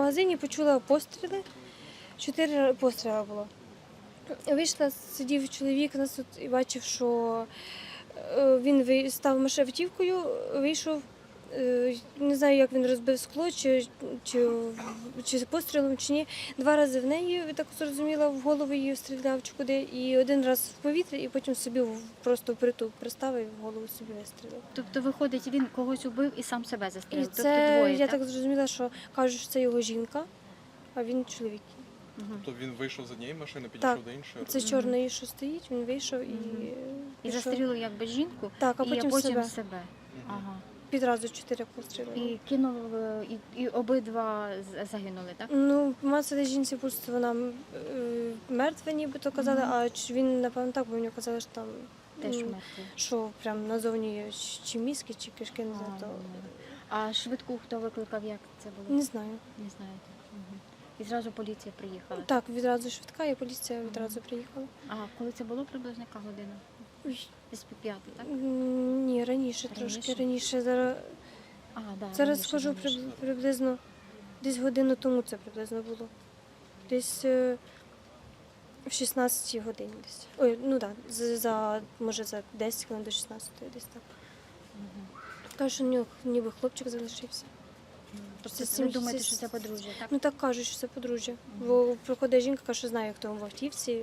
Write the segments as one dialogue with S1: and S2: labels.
S1: магазині, почула постріли. 4 постріли було. Вийшла, сидів чоловік нас тут і бачив, що він став автівкою, вийшов. Не знаю, як він розбив скло, чи з пострілом, чи ні. 2 рази в неї, я так зрозуміла, в голову її стріляв чи куди, і 1 раз в повітря, і потім собі просто впритул приставив і в голову собі вистрілив.
S2: Тобто, виходить, він когось убив і сам себе
S1: І
S2: застрелив?
S1: це,
S2: Тобто двоє,
S1: я так зрозуміла, що кажуть, що це його жінка, а він чоловік.
S2: Мгм.
S3: Тобто він вийшов з однієї машини, підійшов до іншої?
S1: Це чорний, що стоїть, він вийшов і
S2: І
S1: пішов.
S2: застрілив якби жінку,
S1: Так, а потім себе.
S2: себе. Ага.
S1: Підразу 4 постріли.
S2: І кинув, і обидва загинули, так?
S1: Ну, мацали жінці пульс, вона мертва, нібито казали, а він, напевно, так, бо мені казали, що там
S2: Теж
S1: м,
S2: мертві.
S1: що прям назовні є чи мізки, чи кишки, не знаю.
S2: А,
S1: То...
S2: А швидку хто викликав, як це було?
S1: Не знаю.
S2: Не знаєте. Мгм. І зразу поліція приїхала?
S1: Так, відразу швидка, і поліція відразу приїхала.
S2: А коли це було приблизно яка година?
S1: Ой,
S2: Десь по 5, так?
S1: ні, раніше, трошки раніше. Зараз,
S2: А, да,
S1: зараз
S2: раніше,
S1: схожу
S2: раніше.
S1: приблизно, десь годину тому це приблизно було. Десь в 16 годині десь. Ой, ну так, може за 10 хвилин до 16 десь так. Кажуть, що в нього ніби хлопчик залишився.
S2: Тобто
S1: Це
S2: ви думаєте,
S1: це-
S2: що це подружжя, так?
S1: Ну так кажуть, що це подружжя. Бо приходить жінка, каже, що знає, хто в автівці.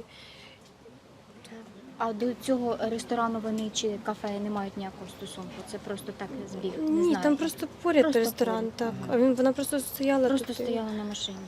S2: А до цього ресторану вони чи кафе не мають ніякого стосунку? Це просто так збіг? Не
S1: Ні,
S2: знаю.
S1: там просто поряд
S2: Просто
S1: ресторан,
S2: поряд,
S1: так.
S2: ага.
S1: А вона просто стояла
S2: Просто
S1: тут.
S2: стояла на машині.